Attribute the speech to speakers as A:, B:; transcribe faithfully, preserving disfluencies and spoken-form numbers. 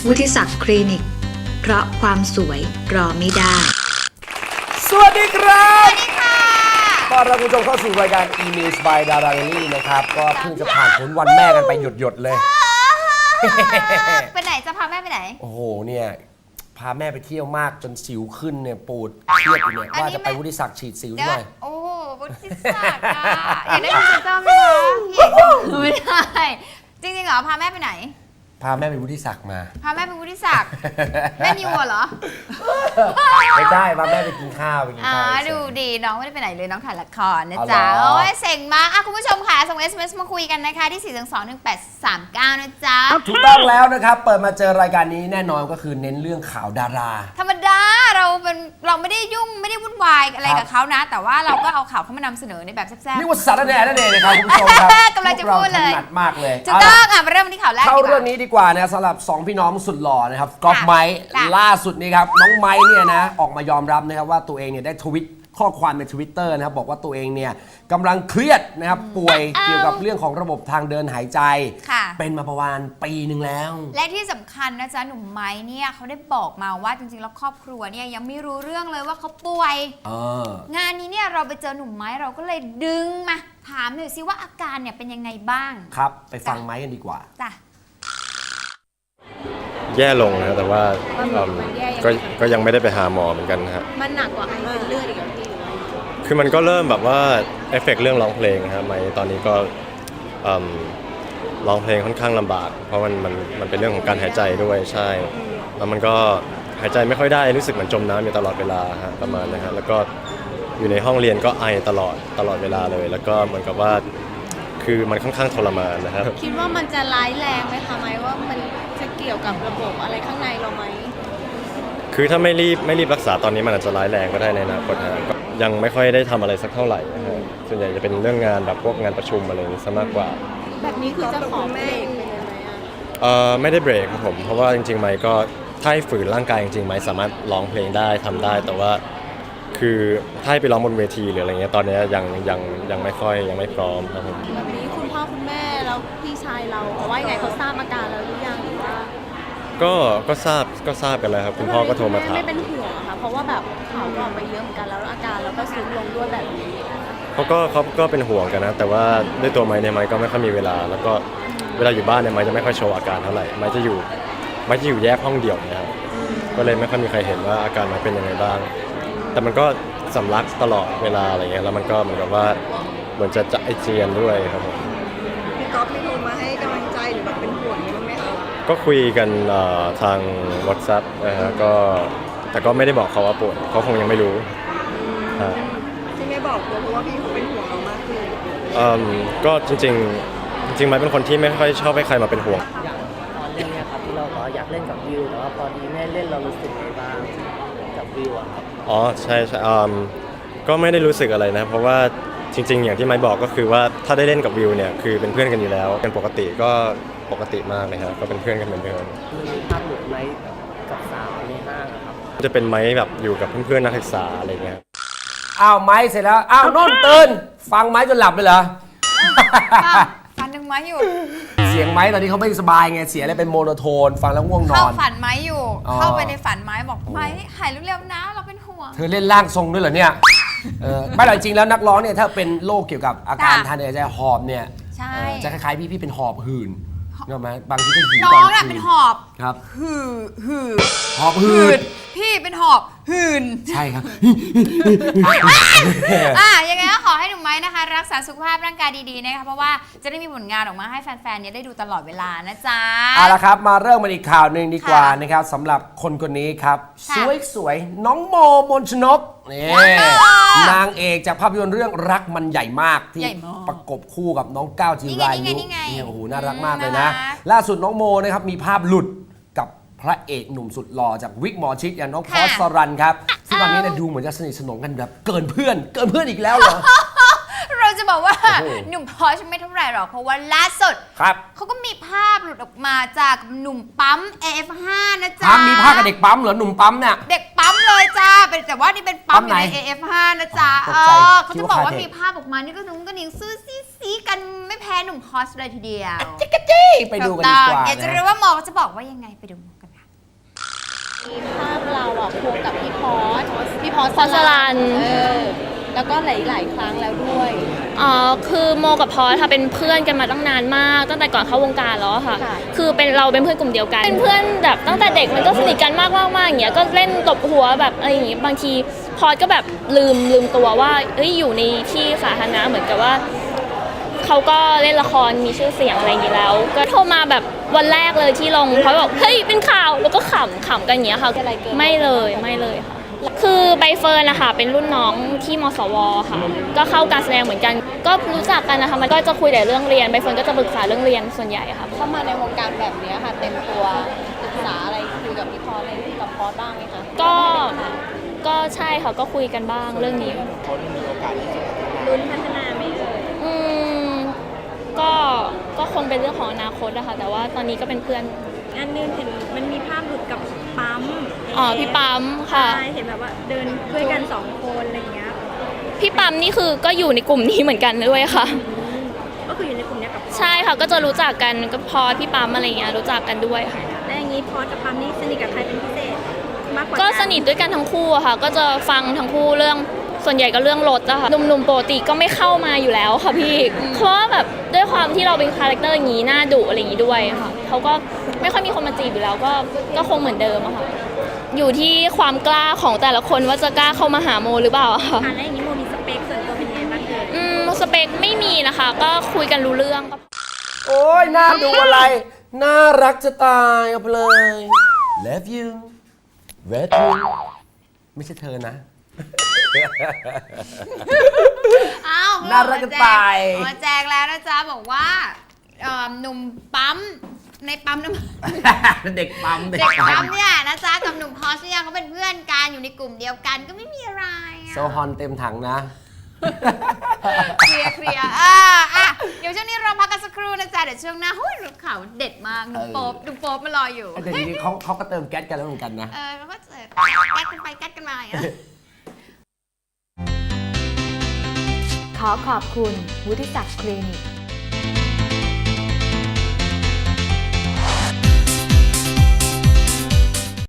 A: วุฒิศักดิ์คลินิกเพราะความสวยรอไม่ได้
B: สวัสดีครับสวัสดีค่ะต้อนรับคุณผู้ชมเข้าสู่รายการ E-News by Dara Daily นะครับก็เพิ่งจะผ่านพ้นวันแม่กันไปหยดๆเลย
C: ไปไหนจะพาแม่ไปไหน
B: โอ้โหเนี่ยพาแม่ไปเที่ยวมากจนสิวขึ้นเนี่ยปูดเครียดอยู่เนี่ยว่าจะไปวุฒิศักดิ์ฉีดสิวด้วย
C: โอ้วุฒิศักดิ์ค่ะอยากได้พรีเซนเตอร์ไหมคะไม่ได้จริงๆเหรอพาแม่ไปไหน
B: พาแม่ไปวุฒิศักดิ์มา
C: พาแม่ไปวุฒิศักดิ์แม่นิวเหรอ
B: ไม่ได้พาแม่ไปกินข้าวไปกินข้าวอ๋อ
C: ดูดีน้องไม่ได้ไปไหนเลยน้องถ่ายละครนะจ๊ะโอ้ยเซ็งมากอ่ะคุณผู้ชมค่ะส่ง เอส เอ็ม เอส มาคุยกันนะคะที่ สี่ สอง หนึ่ง แปด สาม เก้า นะจ๊ะ
B: ถูกต้องแล้วนะครับเปิดมาเจอรายการนี้แน่นอนก็คือเน้นเรื่องข่าวดารา
C: ธรรมดาเราเป็นเราไม่ได้ยุ่งไม่ได้วุ่นวายอะไรกับเขานะแต่ว่าเราก็เอาข่าวเข้ามานำเสนอในแบบแซ่บๆ
B: นี่ว่าสารแหน่นั่นเองนะครับคุณผู้ชมครับ
C: กำลังจะพูดเลย
B: ถนัดมากเลย
C: ถูกต้องอ่ะมาเริ่มที่ข่าวแรก
B: เข้าเรื่องนี้ดีกว่านะสำหรับสองพี่น้องสุดหล่อนะครับก๊อฟไมค์ล่าสุดนี้ครับน้องไมค์เนี่ยนะออกมายอมรับนะครับว่าตัวเองเนี่ยได้ทวิตข้อความใน ทวิตเตอร์ นะครับบอกว่าตัวเองเนี่ยกำลังเครียดนะครับป่วยเกี่ยวกับเรื่องของระบบทางเดินหายใจเป็นมาประมาณปีหนึ่งแล้ว
C: และที่สำคัญนะจ๊ะหนุ่มไม้เนี่ยเขาได้บอกมาว่าจริงๆแล้วครอบครัวเนี่ยยังไม่รู้เรื่องเลยว่าเขาป่วยงานนี้เนี่ยเราไปเจอหนุ่มไม้เราก็เลยดึงมาถามหน่อยสิว่าอาการเนี่ยเป็นยังไงบ้าง
B: ครับไปฟังไม้กันดีกว่า
C: จ้ะ
D: แย่ลงนะแต่ว่าก็ก็ยังไม่ได้ไปหาหมอเหมือนกันนะฮะ
C: มันหนักกว่าไอเป็นเลือดอีกที
D: คือมันก็เริ่มแบบว่าเอฟเฟกต์เรื่องร้องเพลงฮะไม่ตอนนี้ก็ร้องเพลงค่อนข้างลำบากเพราะมันมันมันเป็นเรื่องของการหายใจด้วยใช่แล้วมันก็หายใจไม่ค่อยได้รู้สึกเหมือนจมน้ำอยู่ตลอดเวลาฮะประมาณนะฮะแล้วก็อยู่ในห้องเรียนก็ไอตลอดตลอดเวลาเลยแล้วก็เหมือนกับว่าคือมันค่อนข้างทรมานนะครับ
C: คิดว่ามันจะร้ายแรงไหมคะไหมว่ามันจะเกี่ยวกับระบบอะไรข้างในเราไหม
D: คือถ้าไม่รีบไม่รีบรักษาตอนนี้มันอาจจะร้ายแรงก็ได้ในอนาคตนะก็ยังไม่ค่อยได้ทำอะไรสักเท่าไหร่นะฮะส่วนใหญ่จะเป็นเรื่องงานแบบพวกงานประชุมอะไรนี้ซะมากกว่า
C: แบบนี้คือจะขอเบรกไปเลยไหมอ่ะ
D: เอ่อไม่ได้เบรกครับผมเพราะว่าจริงๆไมค์ก็ถ้าให้ฝืนร่างกายจริงๆไมค์สามารถร้องเพลงได้ทำได้แต่ว่าคือถ้าให้ไปร้องบนเวทีหรืออะไรเงี้ยตอนนี้ยังยังยังไม่ค่อยยังไม่พร้อมครับผม
C: แบบนี้คุณพ่อคุณแม่แล้วพี่ชายเราเขาว่าไงเขาทราบอาการแล้วหรือยังหรือว่า
D: ก็ก็ทราบก็ทราบกันแล้วครับคุณพ่อก็โทรมาถาม
C: ไม่เป็นห่วงค่ะเพราะว่าแบบข่าวก็ออกมาเยอะเหมือนกันแล้วอาการเราก็ซุดลงด้วยแบบนี้
D: เขาก็เขาก็เป็นห่วงกันนะแต่ว่าด้วยตัวไมค์เนี่ยไมค์ก็ไม่ค่อยมีเวลาแล้วก็เวลาอยู่บ้านเนี่ยไมค์จะไม่ค่อยโชว์อาการเท่าไหร่ไมค์จะอยู่ไมค์จะอยู่แยกห้องเดี่ยวนะครับก็เลยไม่ค่อยมีใครเห็นว่าอาการไมค์เป็นยังไงบ้างแต่มันก็สำลักตลอดเวลาอะไรเงี้ยแล้วมันก็เหมือนกับว่าเหมือนจะจะไอเจียนด้วยครับผม
E: พี่ก๊อฟมีโทรมาให้กำลังใจหรือแบบเป็นห่วงบ้างไหมคะ
D: ก็คุยกันทาง WhatsApp นะฮะก็แต่ก็ไม่ได้บอกเขาว่าป่วยเขาคงยังไม่รู้
E: ที่ไม่บอกเพราะว่าพี่เขาเป็นห่วงเรามากขึ้น
D: ก็จริงๆจริงๆมันเป็นคนที่ไม่ค่อยชอบให้ใครมาเป็นห่วง
F: อย่างตอนเล่นเนี่ยครับที่เราก็อยากเล่นกับวิวแต่ว่าพอดีแม่เล่นเรารู้สึกไงบ้างกับวิวอะครับ
D: อ๋อใช่ใช่ก็ไม่ได้รู้สึกอะไรนะเพราะว่าจริงๆอย่างที่ไมค์บอกก็คือว่าถ้าได้เล่นกับวิวเนี่ยคือเป็นเพื่อนกันอยู่แล้วเป็นปกติก็ปกติมากเลยครับก็เป็นเพื่อนกันเหมือนเดิม
F: มีภาพหลุดไหมกับสาวในห้างครับ
D: จะเป็นไมค์แบบอยู่กับเพื่อนๆนักศึกษาอะไรเงี้ย
B: อ้าวไมค์เสร็จแล้วอ้าวนนท์ตื่นฟังไมค์จนหลับเลยเหรอ
C: ฝันถึงไม้อยู่
B: เสียงไมค์ตอนนี้เขาไม่สบายไงเสียงอะไรเป็นโมโนโทนฟังแล้วง่วงนอน
C: เข้าฝันไม้อยู่เข้าไปในฝันไม้บอกไม้หายเร็วๆนะเราเป็นห่วง
B: เธอเล่นร่างทรงด้วยเหรอเนี่ยเออไม่หรอกจริงแล้วนักร้องเนี่ยถ้าเป็นโรคเกี่ยวกับอาการทางเดินหายใจหอบเนี่ยจะคล้ายๆพี่พี่เป็นหอบหื่นเห็นไหมบางทีก็หื่น
C: น้องน่ะเป็นหอบ
B: ครับ
C: หื่หื่
B: หอบหื่น
C: พี่เป็นหอบหื่น
B: ใช่ครับ
C: อ่ะยังไงก็ขอให้หนุ่มไม้นะคะรักษาสุขภาพร่างกายดีๆนะคะเพราะว่าจะได้มีผลงานออกมาให้แฟนๆเนี่ยได้ดูตลอดเวลานะจ๊ะ
B: เอาละครับมาเริ่มมาอีกข่าวหนึ่งดีกว่านะครับสำหรับคนคนนี้ครับสวยๆน้องโมมนชนกนี่นางเอกจากภาพยนตร์เรื่องรักมันใหญ่มากที่ประกบคู่กับน้องก้าวจิรายุนี่โอ้โหน่ารักมากเลยนะล่าสุดน้องโมนะครับมีภาพหลุดกับพระเอกหนุ่มสุดหล่อจากวิกหมอชิดอย่างน้องพอสรันครับซึ่งตอนนี้เนี่ยดูเหมือนจะสนิทสนมกันแบบเกินเพื่อนเกินเพื่อนอีกแล้วเหรอ
C: เราจะบอกว่าหนุ่มพอชไม่เท่าไหร่หรอกเพราะว่าล่าสุดเขาก็มีภาพหลุดออกมาจากหนุ่มปั๊ม เอ เอฟ ห้า นะจ๊ะ
B: มีภาพกับเด็กปั๊มเหรอหนุ่มปั๊มเนี่ย
C: เด็กปั๊มเลยจ้าเป็นแต่ว่านี่เป็นปั๊มใน เอ เอฟ ห้า นะจ๊ะเออเขาจะบอกว่ามีภาพออกมานี่ก็นุ่งก็นิ่งซื้อซีซีกันไม่แพ้หนุ่มพอชเลยทีเดียว
B: จิ๊กจิ๊กไปดูกันดีกว่า
C: อยากจะรู้ว่าหมอจะบอกว่ายังไงไปดูกันค่ะ
E: มีภาพเราอ่ะควงกับพี่พอสพี่พอส
G: พอสลัน
E: เออแล้วก็หลาย ๆ ครั้งแล้วด้วย
G: อ๋อคือโมกับพอสค่ะเป็นเพื่อนกันมาตั้งนานมากตั้งแต่ก่อนเข้าวงการแล้วอะค่ะ
E: ค่ะ
G: คือเป็นเราเป็นเพื่อนกลุ่มเดียวกันเป็นเพื่อนแบบตั้งแต่เด็กมันก็สนิทกันมากมากมากอย่างเงี้ยก็เล่นตบหัวแบบอะไรอย่างงี้บางทีพอสก็แบบลืมลืมตัวว่าเอ้ยอยู่ในที่สาธารณะเหมือนกับว่าเขาก็เล่นละครมีชื่อเสียงอะไรอย่างงี้แล้ว ก็โทรมาแบบวันแรกเลยที่ลงเขาบอกเฮ้ยเป็นข่าวแล้วก็ขำขำกันอย่างเงี้ยค่ะไม่เลยไม่เลยค่ะ คือใบเฟิร์นนะคะเป็นรุ่นน้องที่มสวค่ะก็เข้าการแสดงเหมือนกัน ก็รู้จักกันนะคะมันก็จะคุยแต่เรื่องเรียนใบเฟิร์นก็จะปรึกษาเรื่องเรียนส่วนใหญ่ค่ะ
E: เข้ามาในวงการแบบนี้ค่ะ เต็มตัวศึกษาอะไรคุยกับพี่พอสอะไรกับพอสบ้างไหมคะ
G: ก็ก็ใช่ค่ะก็คุยกันบ้างเรื่องนี้
E: ลุ้นพัฒนาไหมเอ่ย
G: อืมก็ก็คงเป็นเรื่องของอนาคตนะคะแต่ว่าตอนนี้ก็เป็นเพื่อน
E: งานนึงเห็นมันมีภาพหลุดกับปั๊ม
G: อ๋อพี่ปั๊มค่ะ
E: ใช่เห็นแบบว่าเดินด้วยกันสองคนอะไรอย่างเงี้ย
G: พี่ปั๊มนี่คือก็อยู่ในกลุ่มนี้เหมือนกันด้วยค่ะ
E: ก็คืออยู่ในกลุ่มเนี้ยกับพอส
G: ใช่ค่ะก็จะรู้จักกันก็พอพี่ปั๊มอะไรอย่างเงี้ยรู้จักกันด้วยค่ะ
E: และอย่างนี้พอสกับปั๊มนี่สนิทกับใครเป็นพิเศษมากกว่า
G: ก็สนิทด้วยกันทั้งคู่อะค่ะ ก็จะฟังทั้งคู่เรื่องส่วนใหญ่ก็เรื่องรถอะค่ะหนุ่มๆปกติก็ไม่เข้ามาอยู่แล้วค่ะพี่เพราะว่าแบบด้วยความที่เราเป็นคาแรคเตอร์อย่างนี้หน้าดุอะไรอย่างนี้ด้วยค่ะเขาก็ไม่ค่อยมีคนมาจีบอยู่แล้วก็ก็คงเหมือนเดิมอะค่ะอยู่ที่ความกล้าของแต่ละคนว่าจะกล้าเข้ามาหาโมหรือเปล่าอะค่ะ
E: อ่ะแล้วอย่างนี้โมมีสเปคส่วนตัวเป็นยังไงบ้างเอ่ย
G: อืมสเปคไม่มีนะคะ ก็คุยกันรู้เรื่องก็
B: โอ้ยน่าดูอะไร น่ารักจะตายเอาไปเลย love you love you ไม่ใช่เธอนะ
C: อ้าว
B: น่ารักจะตาย
C: มาแจกแล้วนะจ๊ะบอกว่าเอ่อหนุ่มปั๊มในปั๊มน้ำมัน
B: เด็กปั๊ม
C: เด็กปั๊มเนี่ยนะจ๊ะกับหนุ่มพอสเนี่ยเขาเป็นเพื่อนกันอยู่ในกลุ่มเดียวกันก็ไม่มีอะไรอะ
B: โซฮอนเต็มถังนะ
C: เคลียร์เคลียร์อ่าอ่ะเดี๋ยวช่วงนี้เราพักกันสักครู่นะจ๊ะเดี๋ยวช่วงหน้าหุ้ยรูปข่าวเด็ดมากหนุ่มโป๊บหนุ่มโป๊บมารออยู่
B: แต่ทีนี้เขาเขาก็เติมแก๊สกันแล้วเหมือนกันนะ
C: เออเขาก็เจอแก๊กกันไปแก๊กกันมาอย่างเงี้ย
A: ขอขอบคุณวุฒิศักดิ์คลินิก